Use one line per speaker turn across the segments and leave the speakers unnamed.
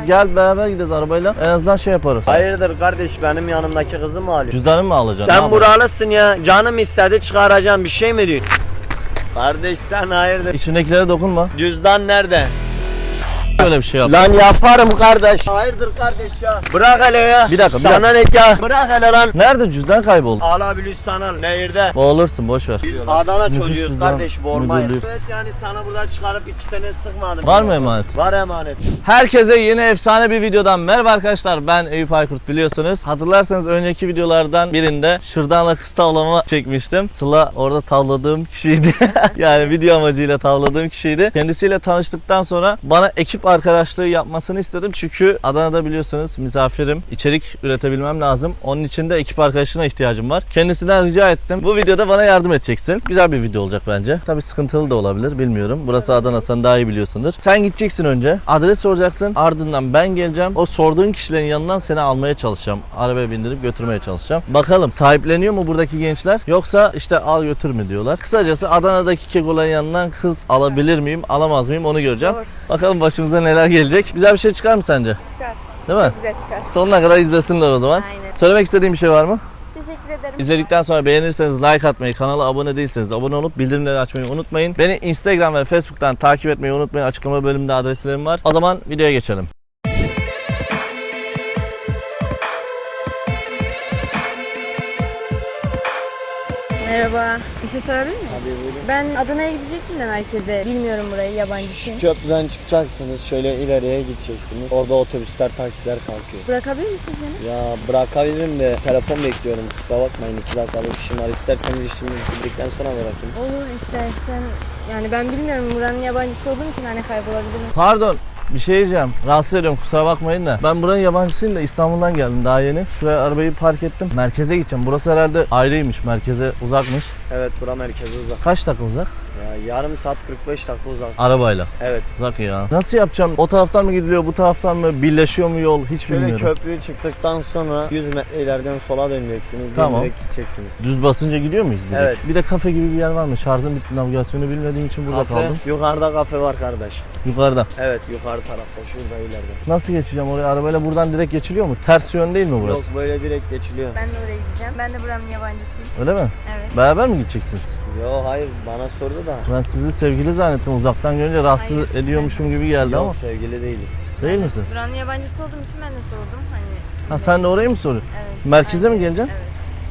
Gel beraber gideceğiz arabayla. En azından şey yaparız.
Hayırdır kardeş, benim yanımdaki kızı mı alıyorsun?
Cüzdanımı mı alacaksın?
Sen buralısın ya. Canım istedi çıkaracağım, bir şey mi diyorsun? Kardeş sen hayırdır?
İçindekilere dokunma.
Cüzdan nerede?
Böyle bir şey yap.
Lan yaparım kardeş. Hayırdır kardeş ya? Bırak hele ya.
Bir dakika, bir
Sana ne ya? Bırak hele lan.
Nerede cüzdan kayboldu?
Alabilirsen al. Nehirde.
Boğulursun, boş ver.
Adana
Nüfus
çocuğuyuz
cüzdan
kardeş, boğulmayız.
müdürlüğü.
Evet yani sana buradan çıkarıp 2 tane sıkmadım.
Var mı emanet?
Var emanet.
Herkese yeni efsane bir videodan merhaba arkadaşlar, ben Eyüp Aykurt, biliyorsunuz. Hatırlarsanız önceki videolardan birinde şırdanla kız tavlama çekmiştim. Sıla orada tavladığım kişiydi. Yani video amacıyla tavladığım kişiydi. Kendisiyle tanıştıktan sonra bana ekip arkadaşlığı yapmasını istedim. Çünkü Adana'da biliyorsunuz misafirim. İçerik üretebilmem lazım. Onun için de ekip arkadaşına ihtiyacım var. Kendisinden rica ettim. Bu videoda bana yardım edeceksin. Güzel bir video olacak bence. Tabii sıkıntılı da olabilir, bilmiyorum. Burası Adana, sen daha iyi biliyorsundur. Sen gideceksin önce. Adres soracaksın. Ardından ben geleceğim. O sorduğun kişilerin yanından seni almaya çalışacağım. Arabaya bindirip götürmeye çalışacağım. Bakalım sahipleniyor mu buradaki gençler? Yoksa işte al götür mü diyorlar. Kısacası Adana'daki kekoların yanından kız alabilir miyim, alamaz mıyım onu göreceğim.
Zor.
Bakalım başımıza neler gelecek. Güzel bir şey çıkar mı sence?
Çıkar.
Değil mi?
Güzel çıkar.
Sonuna kadar izlesinler o zaman.
Aynen.
Söylemek istediğim bir şey var mı?
Teşekkür ederim.
İzledikten sonra beğenirseniz like atmayı, kanala abone değilseniz abone olup bildirimleri açmayı unutmayın. Beni Instagram ve Facebook'tan takip etmeyi unutmayın. Açıklama bölümünde adreslerim var. O zaman videoya geçelim.
Merhaba. Bir şey sorabilir miyim?
Hadi buyurun.
Ben Adana'ya gidecektim de merkeze. Bilmiyorum burayı, yabancısıyım.
Köprüden çıkacaksınız, şöyle ileriye gideceksiniz. Orada otobüsler, taksiler kalkıyor.
Bırakabilir misiniz beni?
Ya bırakabilirim de telefon bekliyorum, kusura bakmayın, 2 dakikalık işim var. İsterseniz işimi bitirdikten sonra bırakayım.
Olur istersen. Yani ben bilmiyorum, buranın yabancısı olduğum için hani kaybolabilirim.
Pardon. Bir şey diyeceğim. Rahatsız ediyorum, kusura bakmayın da. Ben buranın yabancısıyım da İstanbul'dan geldim daha yeni. Şuraya arabayı park ettim. Merkeze gideceğim. Burası herhalde ayrıymış. Merkeze uzakmış.
Evet, bura merkeze uzak.
Kaç dakika uzak?
Ya yarım saat 45 dakika uzak.
Arabayla.
Evet.
Uzak ya. Nasıl yapacağım? O taraftan mı gidiliyor, bu taraftan mı? Birleşiyor mu yol? Hiç
Şöyle
bilmiyorum.
köprüyü çıktıktan sonra 100 metre ileriden sola döneceksiniz.
Tamam.
Direkt gideceksiniz.
Düz basınca gidiyor muyuz direkt?
Evet.
Bir de kafe gibi bir yer var mı? Şarjım bitti, navigasyonu bilmediğim için burada
Kafe,
kaldım.
yukarıda kafe var kardeş.
Yukarıda.
Evet, yukarı tarafta, şurada ileride.
Nasıl geçeceğim oraya? Arabayla buradan direkt geçiliyor mu? Ters yön değil mi burası?
Yok, böyle direkt geçiliyor.
Ben de oraya gideceğim. Ben de buranın yabancısıyım.
Öyle mi?
Evet.
Beraber mi gideceksiniz?
Yok hayır, bana sordu da.
Ben sizi sevgili zannettim. Uzaktan görünce rahatsız
Hayır.
ediyormuşum gibi geldi
Yok,
ama.
sevgili değiliz.
Değil misin?
Buranın yabancısı olduğum için ben de sordum. Hani.
Ha, sen de orayı mı soruyorsun?
Evet.
Merkeze mi
Aynen.
geleceksin?
Evet.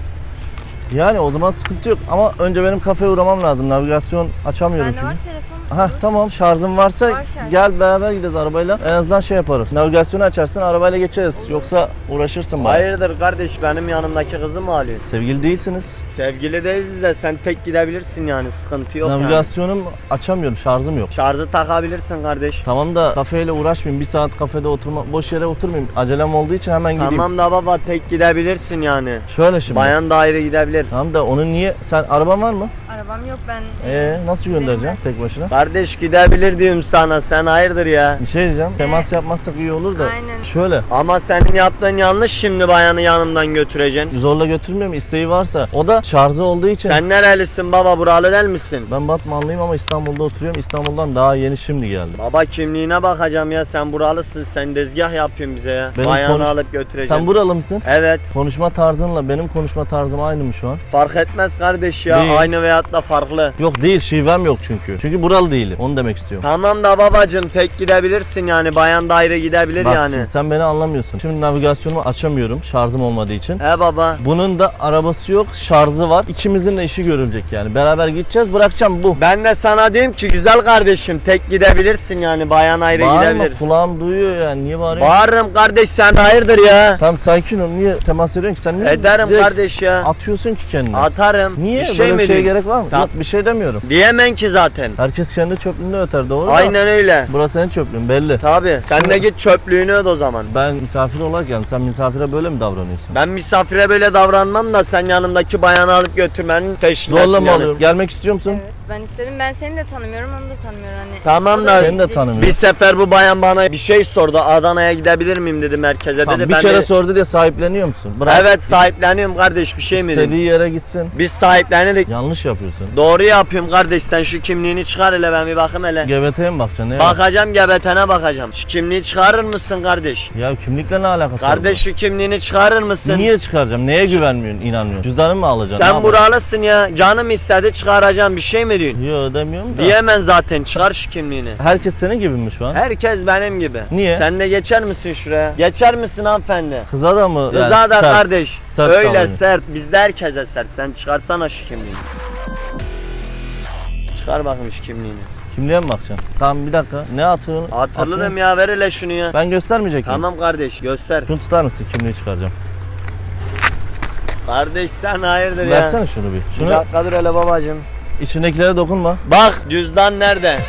Yani o zaman sıkıntı yok ama önce benim kafeye uğramam lazım. Navigasyon açamıyorum
Bende var
çünkü.
telefon.
Ha tamam, şarjım varsa
Var şarjım.
gel beraber gideceğiz arabayla. En azından şey yaparız. Navigasyonu açarsın, arabayla geçeriz. Yoksa uğraşırsın bana.
Hayırdır kardeş, benim yanımdaki kızı mı alıyorsun?
Sevgili değilsiniz.
Sevgili değiliz de sen tek gidebilirsin yani, sıkıntı yok yani.
Navigasyonum açamıyorum, şarjım yok.
Şarjı takabilirsin kardeş.
Tamam da kafeyle uğraşmayayım. Bir saat kafede boş yere oturmayayım. Acelem olduğu için hemen gideyim.
Tamam da baba, tek gidebilirsin yani.
Şöyle şimdi.
Bayan da ayrı gidebilir.
Tamam da onu niye? Sen araban var mı?
Arabam yok ben.
Nasıl göndereceksin tek başına?
Kardeş gidebilir diyorum sana, sen hayırdır ya.
Bir şey diyeceğim. Temas yapmazsak iyi olur da.
Aynen.
Şöyle.
Ama senin yaptığın yanlış, şimdi bayanı yanımdan götüreceksin.
Zorla götürmüyorum, isteği varsa. O da şarjı olduğu için.
Sen nerelisin baba, buralı değil misin?
Ben Batmanlıyım ama İstanbul'da oturuyorum. İstanbul'dan daha yeni şimdi geldim.
Baba kimliğine bakacağım ya, sen buralısın, sen dezgah yapıyorsun bize ya.
Benim
Bayanı alıp götüreceksin.
Sen buralı mısın?
Evet,
Konuşma tarzınla benim konuşma tarzım aynı mı şu an?
fark etmez kardeş ya,
Değil.
aynı veyahut da farklı.
Yok değil, şivem yok çünkü. Çünkü buralı değilim. Onu demek istiyorum.
Tamam da babacım, tek gidebilirsin yani, bayan da ayrı gidebilir
Bak
yani.
şimdi sen beni anlamıyorsun. Şimdi navigasyonumu açamıyorum şarjım olmadığı için.
He baba.
Bunun da arabası yok, şarjı var. İkimizin de işi görülecek yani. Beraber gideceğiz, bırakacağım bu.
Ben de sana diyorum ki güzel kardeşim, tek gidebilirsin yani, bayan ayrı
Bağırma,
gidebilir.
kulağım duyuyor yani. Niye bağırıyorsun?
Bağırırım kardeş, sen hayırdır ya.
Tamam sakin ol. Niye temas ediyorsun ki? Sen niye
Ederim
direkt
kardeş ya.
atıyorsun ki kendini?
Atarım.
Niye?
Bir şey
Böyle
mi
bir şeye
diyeyim?
gerek var mı?
Tamam.
Yok bir şey demiyorum.
Diyemem ki zaten.
Herkes kendi çöplüğünde öter, doğru mu?
Aynen öyle.
Burası senin çöplüğün belli.
Tabi. Sen de git çöplüğünü öde o zaman.
Ben misafir olarak geldim. Sen misafire böyle mi davranıyorsun?
Ben misafire böyle davranmam da sen yanımdaki bayanı alıp götürmenin peşindesin
Zorla mı
yani.
alıyorum? Gelmek istiyor musun?
Evet. Ben istedim. Ben seni de tanımıyorum, onu da tanımıyorum hani.
Tamam
O
da-
Seni de tanımıyorum.
Bir sefer bu bayan bana bir şey sordu. Adana'ya gidebilir miyim dedi, merkeze
Tamam,
dedi.
bir
Ben
kere
de,
sordu diye sahipleniyor musun? Bırak.
evet sahipleniyorum kardeş, bir şey mi
İstediği
dedim.
yere gitsin.
Biz sahiplenerek
Yanlış yapıyorsun.
doğru yapıyorum kardeş, sen şu kimliğini çıkar hele, ben bir bakayım hele.
GBT'ye mi bakacaksın? Neye
Bakacağım, gebetene bakacağım. Şu kimliği çıkarır mısın kardeş?
Ya kimlikle ne alakası var?
Kardeş şu kimliğini çıkarır mısın?
Niye çıkaracağım? Neye güvenmiyorsun, inanmıyorsun? Cüzdanı mı alacaksın?
Sen
Ne yapacaksın?
buralısın ya. Canım istedi çıkaracağım, bir şey mi diyorsun?
Yo demiyorum da.
Diyemem zaten, çıkar şu kimliğini.
Herkes senin gibi mi şu an?
Herkes benim gibi.
Niye?
Sen de geçer misin şuraya? Geçer misin hanımefendi?
Kıza da mı?
Kıza
yani
da
sert?
kardeş.
sert
Öyle
davranıyor.
sert. Bizde herkese sert. Sen çıkarsana şu kimliğini. Çıkar bakayım şu kimliğini.
Kimliğe mi bakacaksın? Tamam bir dakika. Ne atıyorsun?
Hatırlarım
Atıyorsun.
ya, ver hele şunu ya.
Ben göstermeyecek miyim?
Tamam kardeş, göster.
Şunu tutar mısın? Kimliği çıkaracağım.
Kardeş sen hayırdır ya.
Versene şunu bir.
Bir
Şunu
dakika dur hele babacığım.
içindekilere dokunma.
Bak cüzdan nerede?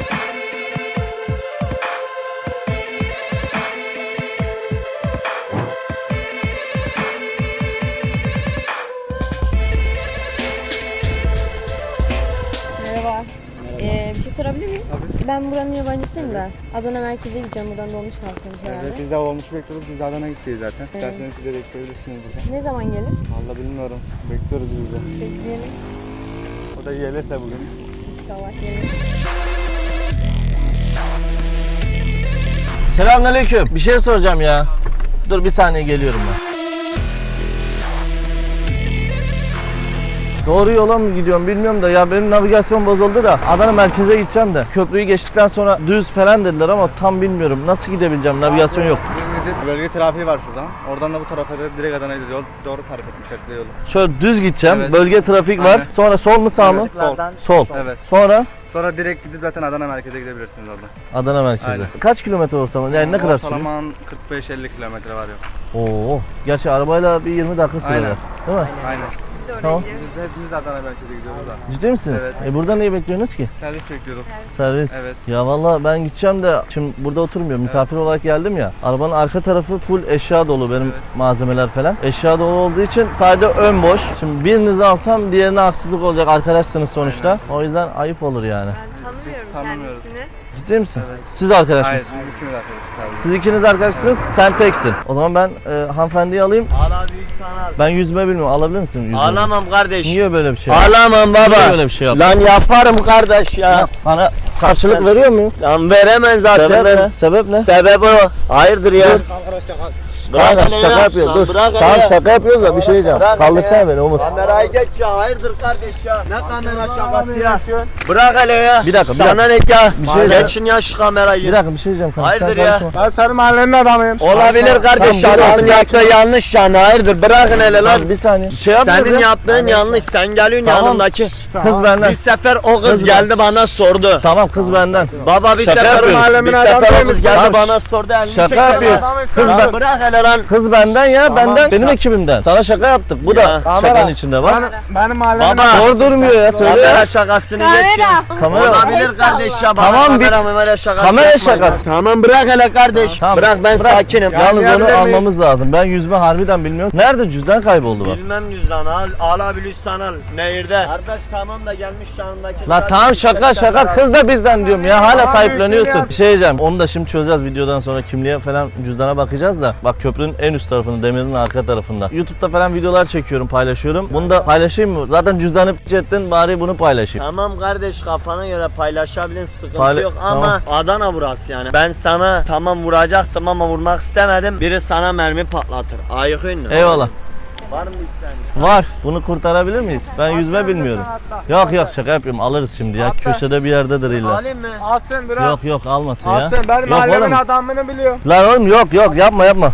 Merhaba. Bir şey sorabilir miyim? Tabii. Ben buranın yabancısıyım da. Adana merkeze gideceğim. Buradan dolmuş kalkıyormuş herhalde.
Evet, biz de olmuş bekliyoruz. Biz de Adana'ya gideceğiz zaten. İsterseniz siz de bekleyebilirsiniz burada.
Ne zaman gelir?
Valla bilmiyorum. Bekliyoruz biz de.
Bekleyelim.
O da gelirse bugün.
İnşallah gelir.
Selamünaleyküm. Bir şey soracağım ya. Dur bir saniye geliyorum ben. Doğru yola mı gidiyorum bilmiyorum da ya benim navigasyon bozuldu da Adana merkeze gideceğim de köprüyü geçtikten sonra düz falan dediler ama tam bilmiyorum nasıl gidebileceğim, navigasyon yok.
Bölge trafiği var şuradan. Oradan da bu tarafa da direkt Adana'ya gidiyor. Doğru tarif etmişler size yolu.
Şöyle düz gideceğim,
Evet.
bölge trafik var,
Aynen.
sonra sol mu sağ mı?
Sol.
Sol.
Evet.
Sonra
Sonra direkt gidip zaten Adana merkeze gidebilirsiniz orada.
Adana merkeze.
Aynen.
Kaç kilometre ortalama? Yani ne kadar sürüyor?
Ortalaman 45-50 kilometre var yok.
Oo. Gerçi arabayla bir 20 dakika sürer.
Aynen.
Değil mi?
Aynen.
Biz de oraya
Tamam.
gidiyoruz.
Biz de hepimiz de Adana merkeze gidiyoruz da.
Ciddi misiniz?
Evet.
Burada niye bekliyorsunuz ki?
Servis bekliyoruz.
Servis.
Evet.
Ya vallahi ben gideceğim de şimdi burada oturmuyorum. Misafir olarak geldim ya. Arabanın arka tarafı full eşya dolu benim malzemeler falan. Eşya dolu olduğu için sadece ön boş. Şimdi birinizi alsam diğerine haksızlık olacak. Arkadaşsınız sonuçta. O yüzden ayıp olur yani.
Ben tanımıyorum
tanımıyoruz.
kendisini.
Ciddi misin?
Evet.
Siz arkadaş
Hayır,
mısınız?
biz ikimiz arkadaşız.
Siz ikiniz arkadaşsınız, sen teksin. O zaman ben hanımefendiyi alayım.
Ala büyük sana.
Ben yüzme bilmiyorum. Alabilir misin yüzme?
Ağlamam kardeş.
Niye böyle bir şey yaptın?
Ağlamam
Niye
baba.
böyle bir şey yaptın?
Lan yaparım kardeş ya.
Bana karşılık veriyor muyum?
Lan veremem zaten.
Sebep ne? Sebep ne?
Sebep o. Hayırdır ya. Bırak
Kanka
hele
şaka
ya.
yapıyoruz.
Lan
Dur.
bırak hele
Tamam
ya.
şaka yapıyoruz da bir şey diyeceğim.
Bırak hele
Kaldırsana
ya.
beni Umut.
Kamerayı geç ya. Hayırdır kardeş ya. Ne kamera şakası ya. Bırak hele ya.
Bir dakika, bir
Sana ne ya?
Bir şey
Geçin ya şu kamerayı.
Bir dakika bir şey diyeceğim kanka.
Hayırdır
sen
ya?
karışma.
Ben senin mahallenin adamıyım.
Olabilir kardeş.
Tamam, dur,
Adamın
dur.
yaptığı yanlış yani. Hayırdır bırakın hele lan.
Lan bir saniye. Şey yapmıyoruz
Senin
ya.
yaptığın yanlış. Sen geliyorsun
Tamam.
yanımdaki.
Kız benden.
Bir sefer o kız
Kız
geldi
ben-
bana sordu.
Tamam kız benden.
Baba bir
Şaka
sefer
yapıyoruz.
bir sefer o kız geldi
Tamam,
bana sordu. elini
şaka
çekti.
yapıyoruz.
Kız
Kız ben-
bırak hele lan.
Kız benden ya benden. Benim ekibimden. Sana şaka yaptık. Bu da
Ya.
şakanın içinde bak.
Benim mahallemin
Baba.
Zor durmuyor ya söyle ya.
Kamera şakasını geç ya.
Kamera.
Olabilir kardeş ya. Bana
Tamam, bir-
kamera şakası
kamera
yapma ya.
şakası.
Tamam bırak hele kardeş.
Tamam,
Bırak ben sakinim.
Yalnız onu
Anlayabilir miyiz?
almamız lazım. Ben yüzme harbiden bilmiyorum. Nerede cüzdan kayboldu bak.
Bilmem cüzdan al. Alabilirsen al. Nehirde. Kardeş tamam da gelmiş yanındaki.
La tamam şaka kız da bizden diyorum ya hala sahipleniyorsun. Bir şey diyeceğim onu da şimdi çözeceğiz videodan sonra kimliğe falan cüzdana bakacağız da. Bak köprünün en üst tarafında demirin arka tarafında. YouTube'da falan videolar çekiyorum paylaşıyorum. Bunu da paylaşayım mı? Zaten cüzdanı ettin bari bunu paylaşayım.
Tamam kardeş kafana göre paylaşabilin sıkıntı
Payla-
yok ama Adana burası yani. Ben sana tamam vuracaktım ama vurmak istemedim. Biri sana mermi patlatır. Ayıkın mı?
Eyvallah.
Var mı isteğin?
Var. Bunu kurtarabilir miyiz? Ben yüzme bilmiyorum. Yok şaka yapıyorum alırız şimdi ya. Köşede bir yerdedir illa.
Alayım mı?
Alsın bırak.
Yok almasın ya.
Alsın benim
Yok
mahallemin
oğlum.
adamını biliyor.
Lan oğlum yok yapma.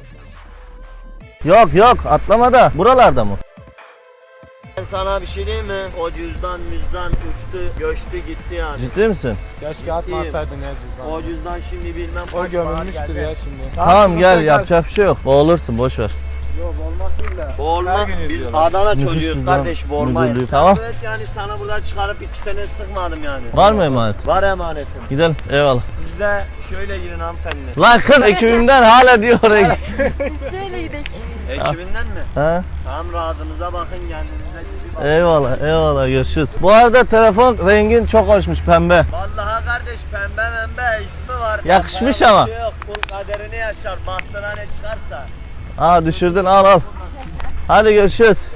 Yok atlama da. Buralarda mı?
Ben sana bir şey diyeyim mi? O cüzdan uçtu, göçtü gitti yani.
Ciddi misin?
Keşke atmasaydın ya cüzdanı.
O cüzdan şimdi bilmem
O
kaç
gömülmüştür
para
ya
geldi.
şimdi.
Tamam gel yapacak bir şey yok. Boğulursun boş ver.
Yok olmaz değil de.
Boğulmak
Her gün
biz
izliyorlar.
Adana
Nüfus
çocuğuyuz
cüzdan
kardeş boğulmayız.
müdürlüğü, tamam.
Evet yani sana buradan çıkarıp iki tane sıkmadım yani.
Var mı emanet?
Var emanetim.
Gidelim eyvallah.
Siz de şöyle gidin hanımefendi.
Lan kız ekibimden hala diyor oraya git.
Biz şöyle gidelim.
Ekibinden mi?
Ha?
Tamam rahatınıza bakın kendinize iyi bakın.
Eyvallah, eyvallah, görüşürüz. Bu arada telefon rengin çok hoşmuş, pembe.
Vallahi kardeş pembe membe ismi var.
Yakışmış
Pembe
ama.
bir şey yok. Kul kaderini yaşar. Bahtına ne çıkarsa.
Aa düşürdün, al al. Hadi görüşürüz.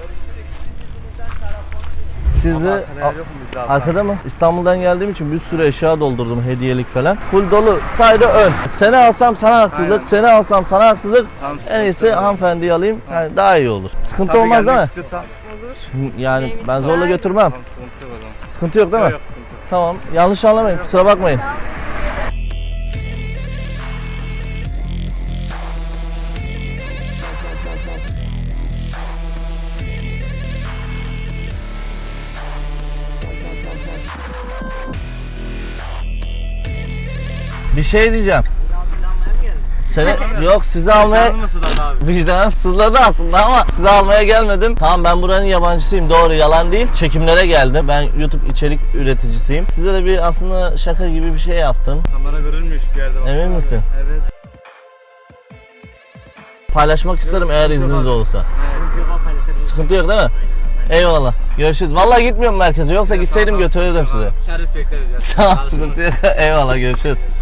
Sizi
Arkada yer yok mu bizde abi?
arkada mı? İstanbul'dan geldiğim için bir sürü eşya doldurdum, hediyelik falan. Full dolu. Sadece ön. Seni alsam sana haksızlık,
Aynen.
seni alsam sana haksızlık.
Tamam,
En iyisi
tamam.
hanımefendiyi alayım. Yani daha iyi olur. Sıkıntı
Tabii
olmaz değil
gelmek
mi?
istiyorsan-
Yani
Benim
ben
için
zorla
daha iyi.
götürmem.
Tamam, sıkıntı yok o zaman.
Sıkıntı yok değil mi?
Yok, sıkıntı yok.
Tamam. Yanlış anlamayın. Kusura bakmayın. Bir şey diyeceğim. Seni yok sizi almaya
Canlı mısın abi?
vicdanım sızladı aslında ama sizi almaya gelmedim. Tamam ben buranın yabancısıyım, doğru, yalan değil. Çekimlere geldim. Ben YouTube içerik üreticisiyim. Size de bir aslında şaka gibi bir şey yaptım.
Kamera görülmüyor hiçbir yerde. baksana
Emin
abi.
misin?
Evet.
Paylaşmak isterim eğer izniniz olursa.
Evet.
Sıkıntı yok değil mi? Eyvallah. Görüşürüz. Vallahi gitmiyorum merkeze. Yoksa gitseydim götürürdüm sizi.
Şerif bekleriz ya.
Tamam sıkıntı yok. Eyvallah görüşürüz.